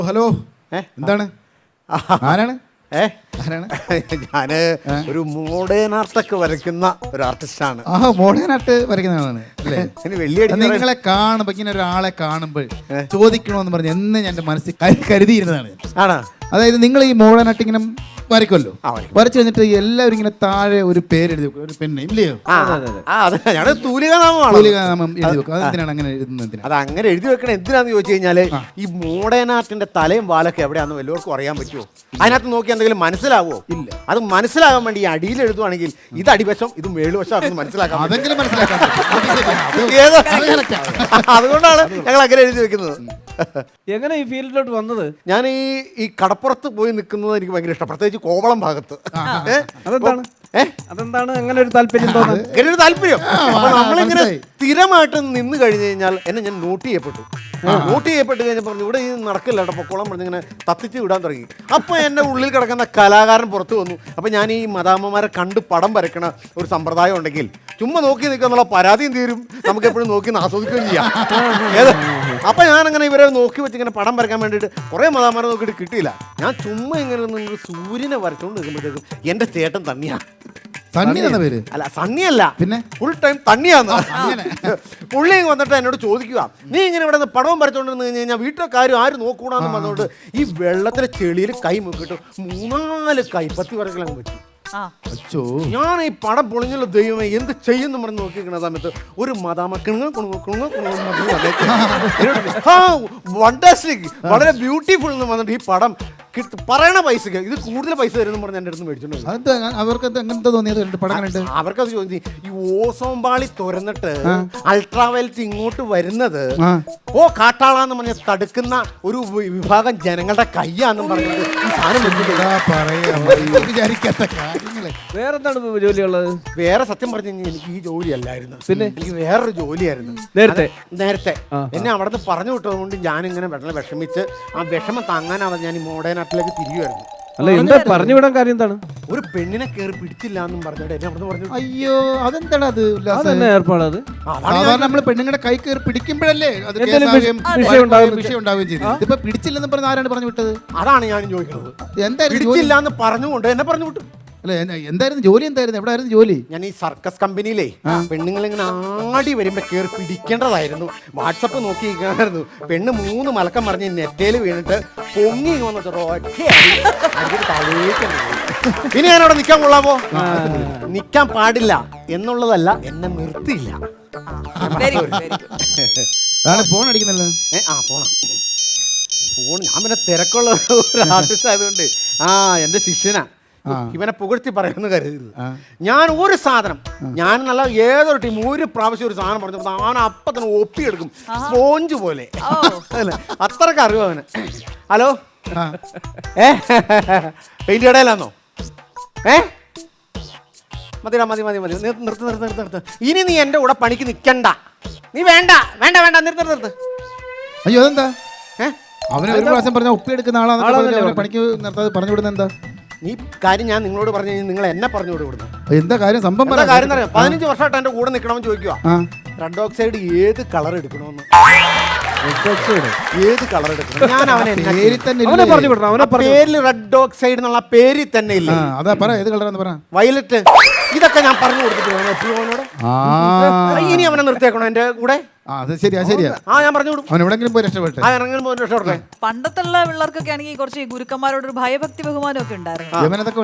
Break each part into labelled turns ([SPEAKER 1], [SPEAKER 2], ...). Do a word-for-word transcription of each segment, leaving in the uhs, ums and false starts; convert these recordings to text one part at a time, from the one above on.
[SPEAKER 1] Hello എന്താണ് ആരാണ്
[SPEAKER 2] ഏ ഞാന് ഒരു മോഡേൺ ആർട്ടൊക്കെ വരയ്ക്കുന്ന ഒരു ആർട്ടിസ്റ്റാണ്.
[SPEAKER 1] ആ മോഡേൺ ആർട്ട് വരയ്ക്കുന്നതാണ് അല്ലേ?
[SPEAKER 2] വലിയ
[SPEAKER 1] നിങ്ങളെ കാണുമ്പോ ഇങ്ങനെ ഒരാളെ കാണുമ്പോൾ ചോദിക്കണോന്ന് പറഞ്ഞ് എന്ന് ഞാൻ എന്റെ മനസ്സിൽ കരുതിയിരുന്നതാണ്.
[SPEAKER 2] ആണോ?
[SPEAKER 1] അതായത് നിങ്ങൾ ഈ മോഡേൺ ആർട്ട് ഇങ്ങനെ വരയ്ക്കുമല്ലോ, വരച്ചു കഴിഞ്ഞിട്ട് എല്ലാവരും ഇങ്ങനെ താഴെ ഒരു പേര് എഴുതി വെക്കും, ഒരു പെണ്ണ് ഇല്ലയോ?
[SPEAKER 2] തൂലികാനാമം
[SPEAKER 1] എഴുതി വെക്കും. അതെന്തിനാണ് അങ്ങനെ എഴുതുന്നത്?
[SPEAKER 2] അത് അങ്ങനെ എഴുതി വെക്കണം എന്തിനാന്ന് ചോദിച്ചു കഴിഞ്ഞാല് ഈ മോഡേൺ ആർട്ടിന്റെ തലയും വാലൊക്കെ എവിടെയാണെന്ന് വല്ലവർക്കും അറിയാൻ പറ്റുമോ? അതിനകത്ത് നോക്കി എന്തെങ്കിലും മനസ്സിലാവോ? ഇല്ല. അത് മനസ്സിലാകാൻ വേണ്ടി ഈ അടിയിൽ എഴുതുവാണെങ്കിൽ ഇത് അടിവശം ഇത് മേളുവശം മനസ്സിലാക്കാം.
[SPEAKER 1] അതെങ്കിലും മനസ്സിലാക്കാം.
[SPEAKER 2] അതുകൊണ്ടാണ് ഞങ്ങൾ അങ്ങനെ എഴുതി വെക്കുന്നത്.
[SPEAKER 3] എങ്ങനെ ഈ ഫീൽഡിലോട്ട് വന്നത്?
[SPEAKER 2] ഞാൻ ഈ ഈ കടപ്പുറത്ത് പോയി നിൽക്കുന്നത് എനിക്ക് ഭയങ്കര ഇഷ്ടം, പ്രത്യേകിച്ച് കോവളം ഭാഗത്ത്.
[SPEAKER 3] അതെന്താണ് അതെന്താണ് അങ്ങനെ ഒരു താല്പര്യം തോന്നുന്നത്?
[SPEAKER 2] അങ്ങനെ ഒരു താല്പര്യം നമ്മളിങ്ങനെ സ്ഥിരമായിട്ട് നിന്ന് കഴിഞ്ഞു കഴിഞ്ഞാൽ എന്നെ ഞാൻ നോട്ട് ചെയ്യപ്പെട്ടു. നോട്ട് ചെയ്യപ്പെട്ട് കഴിഞ്ഞപ്പോൾ ഇവിടെ ഈ നടക്കില്ല കേട്ടോ, പൊക്കോളം പറഞ്ഞിങ്ങനെ തത്തിച്ച് വിടാൻ തുടങ്ങി. അപ്പോൾ എൻ്റെ ഉള്ളിൽ കിടക്കുന്ന കലാകാരൻ പുറത്തു വന്നു. അപ്പോൾ ഞാൻ ഈ മദാമ്മമാരെ കണ്ട് പടം വരയ്ക്കണ ഒരു സമ്പ്രദായം ഉണ്ടെങ്കിൽ ചുമ്മാ നോക്കി നിൽക്കുക എന്നുള്ള പരാതിയും തീരും, നമുക്ക് എപ്പോഴും നോക്കി ആസ്വദിക്കുകയും ചെയ്യാം. ഏത് അപ്പം ഞാനങ്ങനെ ഇവരെ നോക്കി വെച്ച് ഇങ്ങനെ പടം വരയ്ക്കാൻ വേണ്ടിയിട്ട് കുറേ മദാമ്മമാരെ നോക്കിയിട്ട് കിട്ടിയില്ല. ഞാൻ ചുമ്മാ ഇങ്ങനെ നിന്ന് സൂര്യനെ വരച്ചുകൊണ്ട് നിൽക്കുമ്പോഴത്തേക്കും എൻ്റെ ചേട്ടൻ തണ്ണിയാണ്. അല്ല സണ്ണിയല്ല, പിന്നെ ഫുൾ ടൈം തണ്ണിയാന്ന്. പുള്ളി വന്നിട്ട് എന്നോട് ചോദിക്കുക, നീ ഇങ്ങനെ ഇവിടെ നിന്ന് പടവും വരച്ചോണ്ടിരുന്ന് കഴിഞ്ഞ് കഴിഞ്ഞാൽ വീട്ടിലെ കാര്യം ആര് നോക്കൂടാന്ന് പറഞ്ഞുകൊണ്ട് ഈ വെള്ളത്തിലെ ചെളിയിൽ കൈ മുക്കിട്ട് മൂന്നാല് കൈപ്പത്തി വരകളങ്ങ് വെച്ചു. ഞാൻ ഈ പടം പൊളിഞ്ഞുള്ള ദൈവമേ എന്ത് ചെയ്യുന്നു പറഞ്ഞ് നോക്കിക്കുന്ന സമയത്ത് ഒരു മദാമ കിണുങ്ങ കുണുങ്ങ കുണുങ്ങ കുണുങ്ങ വണ്ടർസ്റ്റിക് വളരെ ബ്യൂട്ടിഫുൾ എന്ന് പറഞ്ഞിട്ട് ഈ പടം പറയണ പൈസക്ക് ഇത് കൂടുതൽ പൈസ തരുന്നു പറഞ്ഞ് എൻ്റെ അടുത്ത് മേടിച്ചോണ്ട് അവർക്കത് ചോദിച്ചു. ഈ ഓസോൺ പാളി തുറന്നിട്ട് അൾട്രാവയലറ്റ് ഇങ്ങോട്ട് വരുന്നത് ഓ കാട്ടാളാന്ന് പറഞ്ഞ തടുക്കുന്ന ഒരു വിഭാഗം ജനങ്ങളുടെ കയ്യാന്നും പറഞ്ഞിട്ട് ഈ സാധനം
[SPEAKER 3] വേറെന്താണ് ജോലിയുള്ളത്?
[SPEAKER 2] വേറെ സത്യം പറഞ്ഞു കഴിഞ്ഞാൽ എനിക്ക് ഈ ജോലി അല്ലായിരുന്നു, പിന്നെ എനിക്ക് വേറൊരു ജോലിയായിരുന്നു നേരത്തെ നേരത്തെ എന്നെ അവിടെ നിന്ന് പറഞ്ഞു വിട്ടത് കൊണ്ട് ഞാനിങ്ങനെ വെള്ളം വിഷമിച്ച് ആ വിഷമം താങ്ങാനാവാതെ ഞാൻ ഈ മോഡേൺ ആർട്ടിലേക്ക് തിരിയുമായിരുന്നു.
[SPEAKER 3] അല്ല എന്താ പറഞ്ഞു വിടാൻ കാര്യം എന്താണ്?
[SPEAKER 2] ഒരു പെണ്ണിനെ കയറി പിടിച്ചില്ല എന്നും പറഞ്ഞിട്ട് എന്നെ അവിടെ പറഞ്ഞു.
[SPEAKER 1] അയ്യോ അതെന്താണ് അത്
[SPEAKER 3] ഏർപ്പാടത്?
[SPEAKER 1] സാധാരണ നമ്മള് പെണ്ണുങ്ങളുടെ കൈ കയറി പിടിക്കുമ്പോഴല്ലേ അത് വിഷയം ഉണ്ടാവുകയും ചെയ്തു. ഇപ്പൊ പിടിച്ചില്ലെന്ന് പറഞ്ഞ ആരാണ് പറഞ്ഞു വിട്ടത്?
[SPEAKER 2] അതാണ് ഞാൻ ചോദിക്കുന്നത്. എന്തായാലും പിടിച്ചില്ല എന്ന് പറഞ്ഞുകൊണ്ട് എന്നെ പറഞ്ഞു വിട്ടു.
[SPEAKER 1] അല്ല എന്തായിരുന്നു ജോലി? എന്തായിരുന്നു? എവിടെയായിരുന്നു ജോലി?
[SPEAKER 2] ഞാൻ ഈ സർക്കസ് കമ്പനിയിലേ പെണ്ണുങ്ങൾ ഇങ്ങനെ ആടി വരുമ്പോ കയറി പിടിക്കേണ്ടതായിരുന്നു. വാട്സപ്പ് നോക്കിയിരിക്കണമായിരുന്നു. പെണ്ണ് മൂന്ന് മലക്കം പറഞ്ഞ് നെറ്റയിൽ വീണിട്ട് പൊങ്ങി വന്നിട്ട് ഇനി ഞാനവിടെ നിൽക്കാൻ കൊള്ളാമോ? നിൽക്കാൻ പാടില്ല എന്നുള്ളതല്ല, എന്നെ നിർത്തിയില്ല.
[SPEAKER 1] ഫോൺ അടിക്കുന്നല്ലോ.
[SPEAKER 2] ഏ ആ ഫോണ ഫോൺ ഞാൻ പിന്നെ തിരക്കുള്ള ഒരു ആർട്ടിസ്റ്റ് ആയതുകൊണ്ട് ആ എൻ്റെ ശിഷ്യനാ ഇവനെ പുകഴ്ത്തി പറയുന്നു കരുതരുത്. ഞാൻ ഒരു സാധനം ഞാൻ നല്ല ഏതൊരു ടീം ഒരു പ്രാവശ്യം ഒരു സാധനം പറഞ്ഞു അവൻ അപ്പം തന്നെ ഒപ്പിയെടുക്കും സ്പോഞ്ച് പോലെ. അല്ലേ അത്രക്ക് അറിവ് അവന്. ഹലോ ഏ പെയിന്റ് കടയിലാന്നോ? ഏ മതിടാ മതി മതി മതി നിർത്ത് നിർത്ത് നിർത്ത് നിർത്ത് നിർത്ത് ഇനി നീ എൻ്റെ കൂടെ പണിക്ക് നിൽക്കണ്ട. നീ വേണ്ട വേണ്ട വേണ്ട നിർത്ത് നിർത്ത്.
[SPEAKER 1] അയ്യോ അതെന്താ? ഏഹ് അവന് ഒരു പ്രാവശ്യം പറഞ്ഞാൽ ഒപ്പിയെടുക്കുന്ന ആളാണ് പണിക്ക് നിർത്താതെ പറഞ്ഞു വിടുന്നത് എന്താ?
[SPEAKER 2] നീ കാര്യം ഞാൻ നിങ്ങളോട് പറഞ്ഞു കഴിഞ്ഞാൽ നിങ്ങൾ എന്നെ പറഞ്ഞു വിടുന്നു.
[SPEAKER 1] എന്താ കാര്യം? സംഭവം
[SPEAKER 2] എന്താ കാര്യം അറിയാം? പതിനഞ്ച് വർഷമായിട്ട് എന്റെ കൂടെ നിൽക്കണമെന്ന് ചോദിക്കുക. റെഡ് ഓക്സൈഡ് ഏത് കളർ എടുക്കണമെന്ന് ഏത് കളർ എടുക്കണം? ഞാൻ അവനെ പേരിൽ റെഡ് ഓക്സൈഡ് എന്നുള്ള പേരിൽ തന്നെ ഇല്ല.
[SPEAKER 1] അതാ പറ ഏത് കളറാന്ന് പറ.
[SPEAKER 2] വയലറ്റ്. ഇതൊക്കെ ഞാൻ പറഞ്ഞു കൊടുത്തിട്ട് വേണം എപ്പോഴും അവനോട്. ഇനി അവനെ നിർത്തിയേക്കണോ എന്റെ കൂടെ?
[SPEAKER 1] ശരിയാ ശരിയാ.
[SPEAKER 2] ആ ഞാൻ പറഞ്ഞു കൊടുക്കും.
[SPEAKER 1] അവൻ എവിടെങ്കിലും പോയി രക്ഷപ്പെട്ടെ.
[SPEAKER 2] ആ എവിടെങ്കിലും പോയി രക്ഷപ്പെട്ടെ.
[SPEAKER 4] പണ്ടത്തുള്ള പിള്ളേർക്കൊക്കെ ആണെങ്കിൽ കുറച്ച് ഗുരുക്കന്മാരോടൊരു ഭയഭക്തി ബഹുമാനം ഒക്കെ ഉണ്ടായിരുന്നു.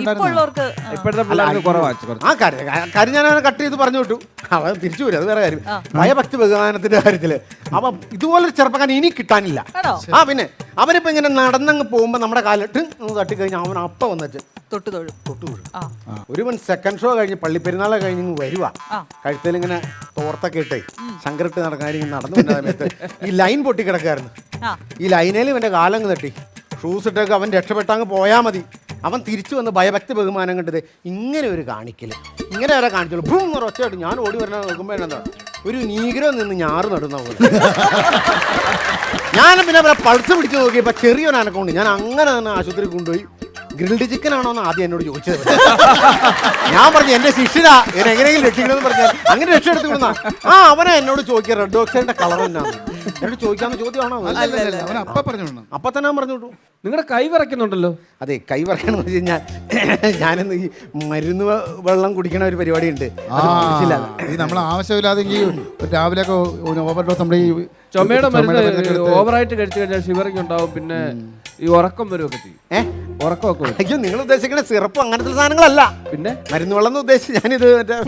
[SPEAKER 2] ആ കാര്യം കാര്യം ഞാൻ അവനെ കട്ട് ചെയ്ത് പറഞ്ഞു വിട്ടു. അവൻ തിരിച്ചു വരും, അത് വേറെ കാര്യം. ഭയഭക്തി ബഹുമാനത്തിന്റെ കാര്യത്തില് അപ്പൊ ഇതുപോലൊരു ചെറുപ്പക്കാരൻ ഇനി കിട്ടാനില്ല. ആ പിന്നെ അവനിപ്പോ ഇങ്ങനെ നടന്നങ്ങ് പോകുമ്പോ നമ്മുടെ കാലിട്ട് തട്ടിക്കഴിഞ്ഞാൽ അവൻ അപ്പ വന്നിട്ട്
[SPEAKER 4] തൊട്ടു തൊഴു
[SPEAKER 2] തൊട്ടു തൊഴു ഒരുവൻ സെക്കൻഡ് ഷോ കഴിഞ്ഞ് പള്ളിപ്പെരുന്നാളെ കഴിഞ്ഞ് വരുവാ. കഴുത്തിൽ ഇങ്ങനെ തോർത്തൊക്കെ ഇട്ടേ ശങ്കറിട്ട് നടക്കാൻ നടന്നു വന്ന സമയത്ത് ഈ ലൈൻ പൊട്ടി കിടക്കായിരുന്നു. ഈ ലൈനേലും ഇവന്റെ കാലങ്ങ് തട്ടി ഷൂസ് ഇട്ടൊക്കെ അവൻ രക്ഷപ്പെട്ടങ്ങ് പോയാൽ മതി. അവൻ തിരിച്ചു വന്ന് ഭയഭക്തി ബഹുമാനം കണ്ടത് ഇങ്ങനെ ഒരു കാണിക്കല് ഇങ്ങനെ വരെ കാണിച്ചോളൂ. ഭൂം ഒച്ചയായിട്ട് ഞാൻ ഓടി വരണ നോക്കുമ്പോ എന്താ ഒരു നീഗ്രോ നിന്ന് ഞാറ് നടുന്ന പോലെ. ഞാൻ പിന്നെ അവരെ പൾസ് പിടിച്ച് നോക്കിയപ്പോ ചെറിയൊരു അനക്കമുണ്ട്. ഞാൻ അങ്ങനെ തന്നെ ആശുപത്രി കൊണ്ടുപോയി. ഗ്രിൽഡ് ചിക്കൻ ആണോ എന്ന് ആദ്യം എന്നോട് ചോദിച്ചത്. ഞാൻ പറഞ്ഞു എന്റെ ശിഷ്യനാ എന്നെ എങ്ങനെയെങ്കിലും രക്ഷിക്കണമെന്ന് പറഞ്ഞാൽ അങ്ങനെ രക്ഷ എടുത്തു വിടുന്ന ആ അവനെ എന്നോട് ചോദിക്കുക റെഡ് ഓക്സൈഡിന്റെ കളർ എന്നാണ്. എന്നോട് ചോദിക്കാവുന്ന ചോദ്യമാണോ അത്?
[SPEAKER 1] അല്ല അല്ല അവൻ അപ്പ പറഞ്ഞു
[SPEAKER 2] അപ്പൊ തന്നെ ഞാൻ പറഞ്ഞു വിട്ടു.
[SPEAKER 3] നിങ്ങളുടെ കൈ വിറയ്ക്കുന്നുണ്ടല്ലോ.
[SPEAKER 2] അതെ, കൈ പറയണമെന്ന് വെച്ച് കഴിഞ്ഞാൽ ഞാനിന്ന് ഈ മരുന്ന് വെ- വെള്ളം കുടിക്കണ ഒരു പരിപാടി ഉണ്ട്.
[SPEAKER 1] ഈ നമ്മൾ ആവശ്യമില്ലാതെ ഈ രാവിലെ ഒക്കെ ഓവർ ഡോസ് നമ്മുടെ ഈ
[SPEAKER 3] ചുമയുടെ
[SPEAKER 1] മരുന്നൊക്കെ
[SPEAKER 3] മരുന്ന്
[SPEAKER 1] എടുത്ത്
[SPEAKER 3] ഓവറായിട്ട് കഴിച്ചു കഴിഞ്ഞാൽ ഷിവറിങ് ഉണ്ടാവും, പിന്നെ ഈ ഉറക്കം വരുമൊക്കെ ചെയ്യും.
[SPEAKER 2] ഏഹ്
[SPEAKER 3] ഉറക്കമൊക്കെ വരും.
[SPEAKER 2] അയ്യോ, നിങ്ങൾ ഉദ്ദേശിക്കുന്ന സിറപ്പ് അങ്ങനത്തെ സാധനങ്ങളല്ല.
[SPEAKER 3] പിന്നെ
[SPEAKER 2] മരുന്ന് വെള്ളം എന്ന് ഉദ്ദേശിച്ച് ഞാനിത് മറ്റേ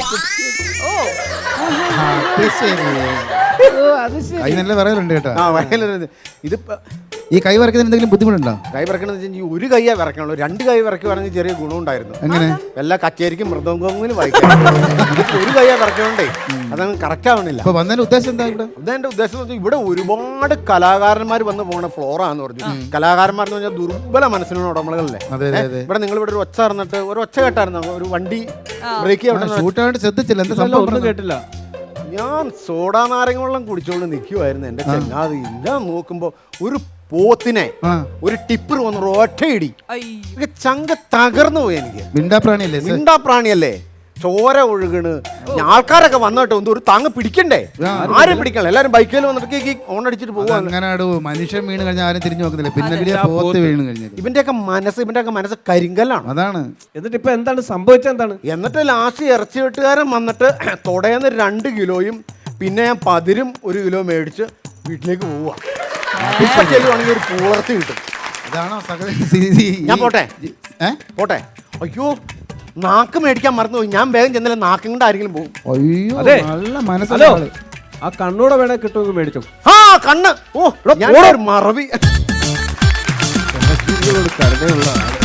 [SPEAKER 1] ആ, അത് ശരി.
[SPEAKER 3] അത് ശരി.
[SPEAKER 1] കൈ നല്ല വിറയലുണ്ട് കേട്ടോ.
[SPEAKER 2] ആ വയലൊരു ഇതിപ്പോ
[SPEAKER 1] ഈ കൈ വറക്കുന്നതിന് എന്തെങ്കിലും ബുദ്ധിമുട്ടുണ്ടോ?
[SPEAKER 2] കൈ വിറക്കണമെന്ന് വെച്ചാൽ ഈ ഒരു കൈയാ വിറക്കണുള്ളൂ. രണ്ട് കൈ വിറക്കുവാണെങ്കിൽ ചെറിയ ഗുണമുണ്ടായിരുന്നു.
[SPEAKER 1] എങ്ങനെ?
[SPEAKER 2] എല്ലാ കച്ചേരിക്കും മൃദംഗങ്ങളും വായിക്കാം. ഇതിപ്പോ ഒരു കൈയാ വിറക്കണോണ്ടേ അതങ്ങ് കറക്റ്റ് ആവണില്ല.
[SPEAKER 1] അപ്പൊ വന്നതിന്റെ ഉദ്ദേശം എന്താ ഇവിടെ?
[SPEAKER 2] ഇതെന്റെ ഉദ്ദേശം എന്ന് വെച്ചാൽ ഇവിടെ ഒരുപാട് കലാകാരന്മാർ വന്ന് പോണ ഫ്ലോറാന്ന് പറഞ്ഞു. കലാകാരന്മാർ എന്ന് പറഞ്ഞാൽ ദുർബല മനസ്സിനുള്ള ഉടമകളല്ലേ.
[SPEAKER 1] അതെ അതെ അതെ.
[SPEAKER 2] ഇവിടെ നിങ്ങൾ ഇവിടെ ഒരു ഒച്ച അറിഞ്ഞിട്ട് ഒരു ഒച്ച കേട്ടായിരുന്നു, ഒരു വണ്ടി ബ്രേക്ക് ചെയ്യാൻ.
[SPEAKER 1] ഷൂട്ടായിട്ട് ശ്രദ്ധിച്ചില്ല എന്താ
[SPEAKER 3] അല്ല,
[SPEAKER 1] സംഭവം
[SPEAKER 3] ഒന്നും
[SPEAKER 1] പറഞ്ഞത്?
[SPEAKER 3] കേട്ടില്ല.
[SPEAKER 2] ഞാൻ സോഡാ നാരങ്ങ വെള്ളം കുടിച്ചോണ്ട് നിൽക്കുമായിരുന്നു എന്റെ ചങ്ങാതി. ഞാൻ നോക്കുമ്പോ ഒരു പോത്തിനെ
[SPEAKER 1] ആ
[SPEAKER 2] ഒരു ടിപ്പർ വന്ന് ഒറ്റയിടി
[SPEAKER 4] അയ്യോ.
[SPEAKER 2] ചങ്ക തകർന്നു പോയി. എനിക്ക്
[SPEAKER 1] മിണ്ടാ പ്രാണിയല്ലേ സർ?
[SPEAKER 2] മിണ്ടാ പ്രാണിയല്ലേ, ചോര ഒഴുകണ്. ആൾക്കാരൊക്കെ വന്നോട്ടോ എന്തോ ഒരു താങ്ങ് പിടിക്കണ്ടേ? ആരും പിടിക്കണല്ലോ, എല്ലാരും ബൈക്കിൽ വന്നിട്ട് ഓൺ അടിച്ചിട്ട് പോവാണ്.
[SPEAKER 1] അങ്ങനെ മനുഷ്യൻ വീണ് കഴിഞ്ഞാൽ ആരും തിരിഞ്ഞു നോക്കുന്നില്ല. പിന്നെ വലിയ പോത്ത് വീണ് കഴിഞ്ഞാൽ
[SPEAKER 2] ഇവന്റെയൊക്കെ മനസ്സ് ഇവന്റെയൊക്കെ മനസ്സ് കരിങ്കല്ലാണ്.
[SPEAKER 1] അതാണ്.
[SPEAKER 3] എന്നിട്ട് ഇപ്പൊ എന്താണ് സംഭവിച്ചത്? എന്താണ്?
[SPEAKER 2] എന്നിട്ട് ലാസ്റ്റ് ഇറച്ചി വെട്ടുകാരൻ വന്നിട്ട് തൊടയെന്ന് രണ്ട് കിലോയും പിന്നെ ഞാൻ പതിരും ഒരു കിലോ മേടിച്ച് വീട്ടിലേക്ക് പോവുക. ഇപ്പൊ ചെല്ലുവാണെങ്കിൽ ഒരു പൂളർത്തി കിട്ടും.
[SPEAKER 1] ഇതാണോ സകല?
[SPEAKER 2] ഞാൻ പോട്ടെ
[SPEAKER 1] ഏ?
[SPEAKER 2] പോട്ടെ. അയ്യോ, നാക്ക് മേടിക്കാൻ മറന്നുപോയി. ഞാൻ വേഗം ചെന്നില്ല, നാക്കും കൊണ്ട് ആരെങ്കിലും പോകും.
[SPEAKER 1] അയ്യോ
[SPEAKER 3] അതെ.
[SPEAKER 1] നല്ല
[SPEAKER 3] ഹലോ,
[SPEAKER 1] മനസ്സിലാള്.
[SPEAKER 3] ആ കണ്ണൂടെ വേണേ കിട്ടുമെങ്കിൽ മേടിച്ചോ.
[SPEAKER 2] ആ കണ്ണ്, ഓ ഞാൻ ഒരു മറവി.
[SPEAKER 1] കരുതലുള്ള ആള്.